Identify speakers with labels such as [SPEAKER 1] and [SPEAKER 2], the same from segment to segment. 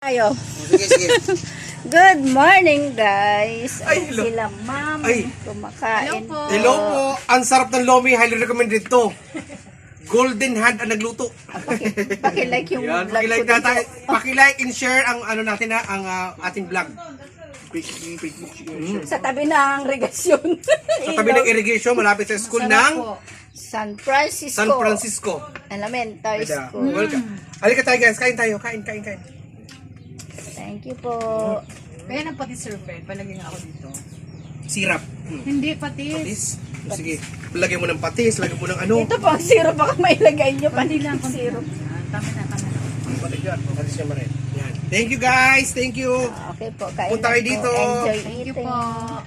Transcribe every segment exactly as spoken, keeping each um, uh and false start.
[SPEAKER 1] Kayo.
[SPEAKER 2] Sige, sige.
[SPEAKER 1] Good morning, guys.
[SPEAKER 2] Ay,
[SPEAKER 1] Ayan
[SPEAKER 2] hello.
[SPEAKER 1] sila, ma'am.
[SPEAKER 2] Ay.
[SPEAKER 1] Kumakain po.
[SPEAKER 2] Hello po. Ang sarap ng lomi. Highly recommended to. Golden Hand ang nagluto.
[SPEAKER 1] Paki- Paki-like yung
[SPEAKER 2] Yan,
[SPEAKER 1] vlog
[SPEAKER 2] pakilike
[SPEAKER 1] ko
[SPEAKER 2] na tayo.
[SPEAKER 1] dito.
[SPEAKER 2] Pakilike and share ang ano natin ha, ang ah, ating vlog. Facebook, Facebook, mm.
[SPEAKER 1] Sa tabi ng regasyon.
[SPEAKER 2] Sa tabi ng irrigation, malapit sa school ng
[SPEAKER 1] San Francisco.
[SPEAKER 2] San Francisco.
[SPEAKER 1] Elementary
[SPEAKER 2] Kaya,
[SPEAKER 1] School.
[SPEAKER 2] welcome. Halika tayo guys, kain tayo. Kain, kain, kain.
[SPEAKER 1] Thank you po.
[SPEAKER 3] Kaya nang pati survey, palagay nga ako dito.
[SPEAKER 2] Sirap. Hmm.
[SPEAKER 3] Hindi, patis.
[SPEAKER 2] Patis. Sige, lagyan mo ng patis, lagyan mo ng ano.
[SPEAKER 1] Ito po ang syrup. Baka mailagay nyo pa
[SPEAKER 3] Pati lang,
[SPEAKER 1] ng
[SPEAKER 3] konti
[SPEAKER 1] syrup.
[SPEAKER 3] lang. Tama na, tama na.
[SPEAKER 2] Patis yan. Patis yan marin. Yan. Thank you guys. Thank you.
[SPEAKER 1] Okay po. Kain
[SPEAKER 2] Punta
[SPEAKER 1] na
[SPEAKER 2] kayo
[SPEAKER 1] po.
[SPEAKER 2] dito.
[SPEAKER 1] Enjoy
[SPEAKER 3] Thank you
[SPEAKER 1] eating.
[SPEAKER 3] po.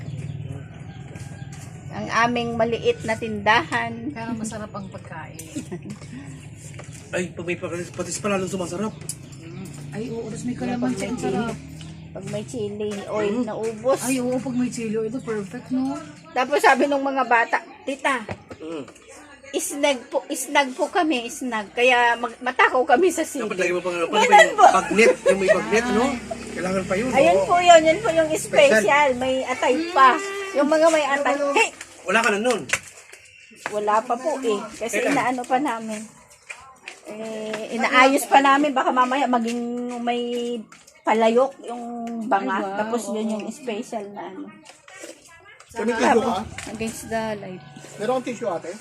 [SPEAKER 1] Ang aming maliit na tindahan.
[SPEAKER 3] Kaya masarap ang pagkain.
[SPEAKER 2] Ay, pag may patis, patis pa lalong sumasarap.
[SPEAKER 3] Ay, oo, tapos may kalamansi ang sarap.
[SPEAKER 1] Pag may chili, oil na ubos.
[SPEAKER 3] Ay, oo, pag may chili, ito perfect, no?
[SPEAKER 1] Tapos sabi nung mga bata, tita,
[SPEAKER 2] Mm.
[SPEAKER 1] isnag po, isnag po kami, isnag. Kaya mag, matakaw kami sa
[SPEAKER 2] Dapat
[SPEAKER 1] sili.
[SPEAKER 2] lagyan mo pang ano,
[SPEAKER 1] Ganun
[SPEAKER 2] yung
[SPEAKER 1] po.
[SPEAKER 2] bagnet, yung may bagnet, no? Kailangan pa yun.
[SPEAKER 1] Ayun
[SPEAKER 2] oo.
[SPEAKER 1] po yun, yun po yung special. May atay pa. Yung mga may atay, hey!
[SPEAKER 2] Wala ka na nun.
[SPEAKER 1] Wala pa po eh. Kasi inaano pa namin. Eh, inaayos pa namin. Baka mamaya maging may palayok yung banga.
[SPEAKER 3] Ay, wow,
[SPEAKER 1] Tapos yun
[SPEAKER 3] oo.
[SPEAKER 1] yung special na ano.
[SPEAKER 4] Kami tissue ka?
[SPEAKER 1] Against the light.
[SPEAKER 4] Meron kang tissue ate?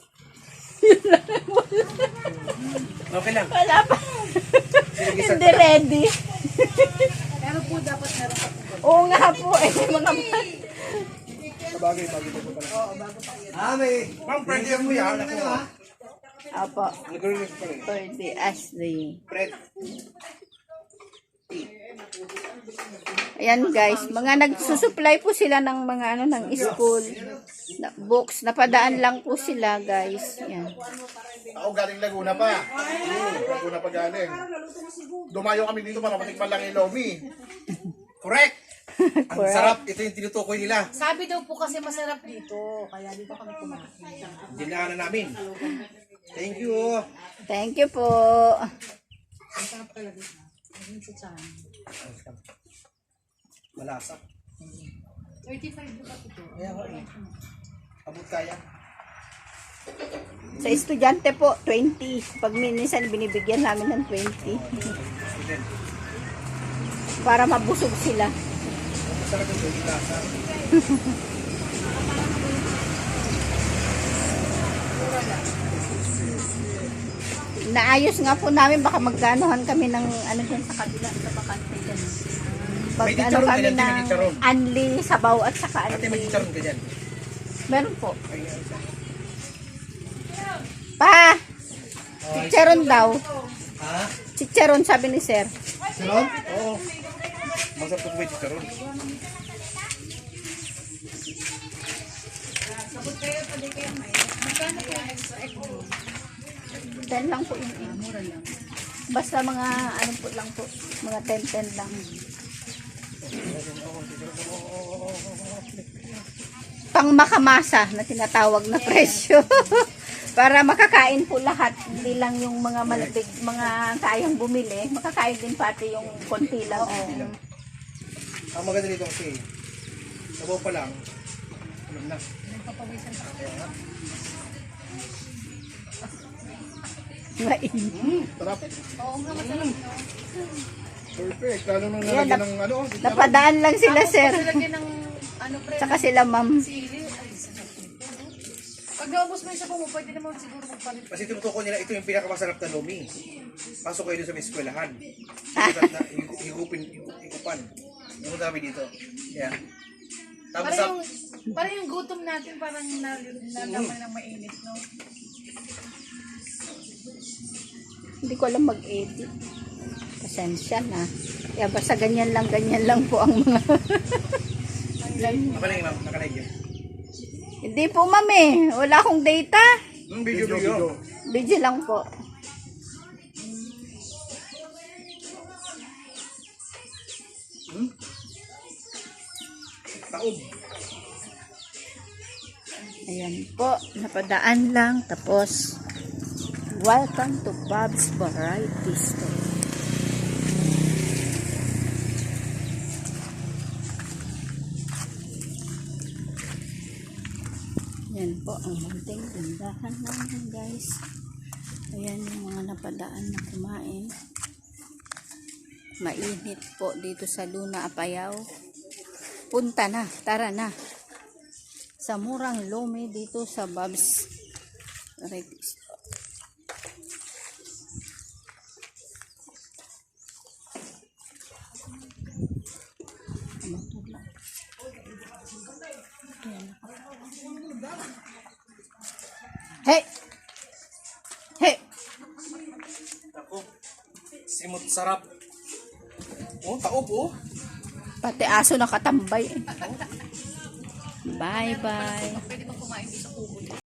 [SPEAKER 2] Okay lang.
[SPEAKER 1] Wala pa.
[SPEAKER 2] Sige,
[SPEAKER 1] Hindi ready.
[SPEAKER 3] Pero po, dapat meron pa po.
[SPEAKER 1] Oo nga po eh. Mga
[SPEAKER 4] Sabagay, bago pa po pala.
[SPEAKER 2] Ah, may. Ma'am, pwede yan mo yan. Ako ha.
[SPEAKER 1] Apo.
[SPEAKER 2] Nag-release pa rin.
[SPEAKER 1] For the as the
[SPEAKER 2] Fred.
[SPEAKER 1] Ayan guys, mga nagsusupply po sila ng mga ano ng school na books. Napadaan lang po sila guys. Yan.
[SPEAKER 4] Ako galing Laguna pa. Hmm, Laguna pa galing. Dumayo kami dito para matikman lang yung lomi.
[SPEAKER 2] Correct. Ang
[SPEAKER 1] Correct.
[SPEAKER 2] sarap. Ito yung tinutukoy nila.
[SPEAKER 3] Sabi daw po kasi masarap dito. Kaya dito kami kumain.
[SPEAKER 2] Dinaanan namin. Thank you.
[SPEAKER 1] Thank you po.
[SPEAKER 3] Ang sarap talaga. Ang sa tiyan.
[SPEAKER 2] Malasa.
[SPEAKER 3] thirty-five po ba ito?
[SPEAKER 2] Kaya ko eh. Abot kaya.
[SPEAKER 1] Sa estudyante po, twenty. Pag minsan binibigyan namin ng twenty.
[SPEAKER 2] Student.
[SPEAKER 1] Para mabusog sila.
[SPEAKER 2] Masarap yung tubig lasa.
[SPEAKER 1] Naayos nga po namin, baka magkanohan kami ng ano dyan sa kabila, sa bakante dyan. Pag
[SPEAKER 2] May
[SPEAKER 1] ano
[SPEAKER 2] chicharon
[SPEAKER 1] kami
[SPEAKER 2] ka dyan, may
[SPEAKER 1] ng
[SPEAKER 2] chicharon.
[SPEAKER 1] anli, sabaw at saka
[SPEAKER 2] Ate, may
[SPEAKER 1] anli.
[SPEAKER 2] chicharon ka dyan.
[SPEAKER 1] Meron po. Pa! Chicharon daw.
[SPEAKER 2] Ha?
[SPEAKER 1] Chicharon sabi ni sir.
[SPEAKER 2] Chicharon? Oo. Masarap kung may chicharon.
[SPEAKER 1] ten lang po yun. eh.
[SPEAKER 3] Mura lang.
[SPEAKER 1] Basta mga ano po lang po. Mga ten ten lang. Pang makamasa na tinatawag na presyo. Para makakain po lahat. Hindi lang yung mga malabig, mga kayang bumili. Makakain din pati yung konti lang.
[SPEAKER 2] Ang maganda dito kasi, sabaw pa lang, alam na.
[SPEAKER 1] Mainit.
[SPEAKER 4] Sarap.
[SPEAKER 3] Oo nga, masarap.
[SPEAKER 4] Perfect. Lalo nung
[SPEAKER 1] Yan,
[SPEAKER 4] nalagyan
[SPEAKER 1] nap-
[SPEAKER 4] ng ano.
[SPEAKER 1] Napadaan lang sila sir.
[SPEAKER 3] Lagyan ng ano pre,
[SPEAKER 1] Tsaka sila ma'am.
[SPEAKER 3] sili. Ay, sarap nito. Pag naubos mo yung sabaw mo, pwede naman siguro magpalit.
[SPEAKER 2] Kasi tinutukoy nila, ito yung pinakamasarap na lomi. Pasok kayo doon sa may eskwelahan. Higupan na, higu- higupin, higu- higupan. Yung dami dito. Yeah. Tapos
[SPEAKER 3] Para
[SPEAKER 2] sa,
[SPEAKER 3] yung, para yung gutom natin parang nalaman ng mainit, no?
[SPEAKER 1] Hindi ko alam mag-edit. Pasensya na. Kaya basta ganyan lang, ganyan lang po ang mga...
[SPEAKER 2] nakalagay ma'am, nakalagay yun.
[SPEAKER 1] Hindi po ma'am eh. Wala akong data.
[SPEAKER 2] Hmm,
[SPEAKER 4] Video,
[SPEAKER 2] video,
[SPEAKER 4] video.
[SPEAKER 2] video.
[SPEAKER 1] Video lang po.
[SPEAKER 2] Taob.
[SPEAKER 1] Ayan po. Napadaan lang. Tapos, welcome to Bob's Variety Store. Ayan po ang munting tindahan namin guys. Ayan yung mga napadaan na kumain. Mainit po dito sa Luna, Apayao. Punta na, tara na. Sa murang lomi dito sa Bob's Rex. Hey! Hey!
[SPEAKER 2] Ako, simot sarap. Oh, taob oh.
[SPEAKER 1] Pati aso nakatambay. Bye-bye.
[SPEAKER 3] Pwede ba kumain sa kubo?